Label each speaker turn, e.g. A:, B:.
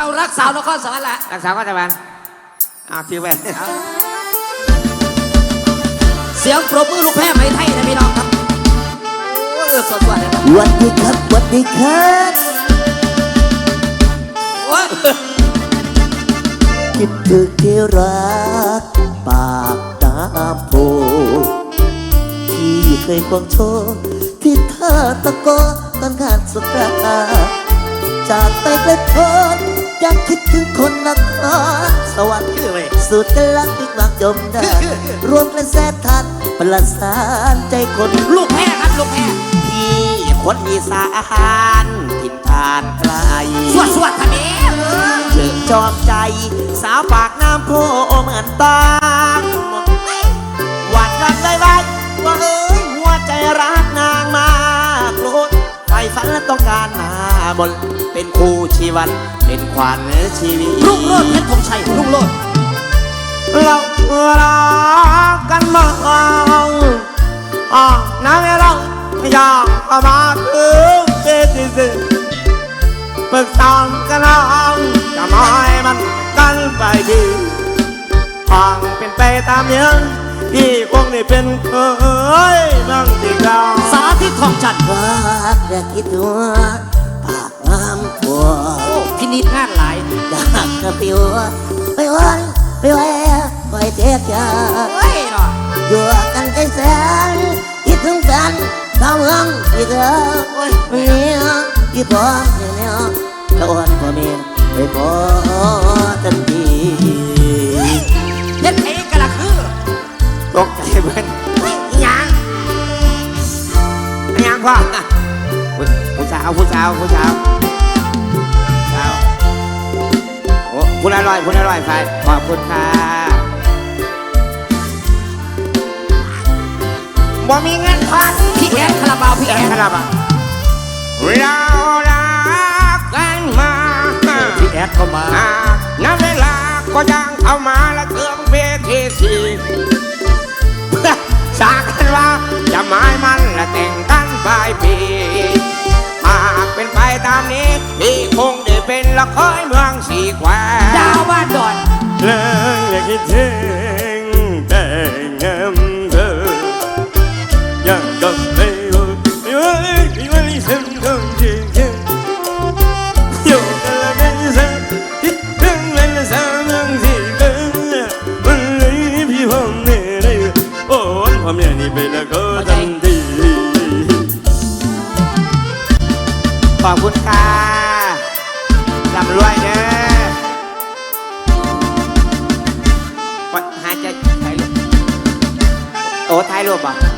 A: เอารักสาวนครสวรรค์ละ
B: รักสาวก็จะบันคิวไป
A: เสียงปรบมือลูกแพ้ไหมไทยนะพี่น้องครับสดๆเลยครับ
C: วันดีครับวันดีครับคิดถึงที่รักปากน้ำโพที่เคยควงโชว์ที่ท่าตะโกตอนงานสงกรานต์จากไปไกลโพ้นอยากคิดถึงคนนครสวรรค์สุดกันลักติดหวังจมได้รวมกันแสนทันประสานใจคน
A: ลูกแพ้ครับลูกแพ้
C: ที่คนอีสานถิ่นฐานไกล
A: สวดทำเอง
C: เชิงจอมใจสาวปากน้ำโพเหมือนตาหวานกันเลยไว้ว่าหัวใจรักนางมากโลดไฟฝันและต้องการมาบนเป็นคู่ชีวันเป็นขวัญชีวิต
A: รุ่งโรจน์เพชรธงชัยรุ่งโรจน์
B: เรารักกันมาน้ำเราอยากมาถึงเกิดสิปรึกษากันน้องจะไม่มันกันไปดีห่างเป็นไปตามยังที่คงได้เป็นเคยบ้างที่เรา
A: สาธิตทองจันทร์
C: รักและคิดตัวปากน้ำพัว
A: พินิจงานหลาย
C: อยากกระปิวไปวันไปแหวไปเทียกยาอยู่กันใจแสนคิดถึงกันดาวเมืองที่เธอเนี่ยที่พ่อเนี่ยแล้วอ่อนพ่อเมียไปพอทันที
A: เฮ็ดเองกันละคือ
B: ตกใจเบิ้ล
A: ยัง
B: พ่อผู้สาวโอ้คุณอร่อยไฟขอบคุณค่ะบ่มีเงินพัน
A: พี่แอดคาราบาวพี่แอด
B: คาราบาวเรารักกันมา
A: พี่แอดเข้ามา
B: ณเวลาก็ยังเข้ามาและเครื่องเพชรที่สากันว่าจะหมายมันและแต่งกันปลายปีหากเป็นไปตามนี้พี่คงได้เป็นละครเมืองสีแคว
A: ดาวบ้านดอน
B: เลยอยากคิดถึงแต่เงินเธอยังกับไม่รู้ไม่ฉันต้องจริงอยู่กันละกันสักคิดถึงเวลาสามยังที่เป็นวันนี้พี่ผมเนี่ยได้โอ้ผมเนี่ยนี่เป็นละก็ทันทีขอบคุณค่ะร่ำรวยเด้อหาใจถ่ายรูปโอ้ถ่ายรูปอ่ะ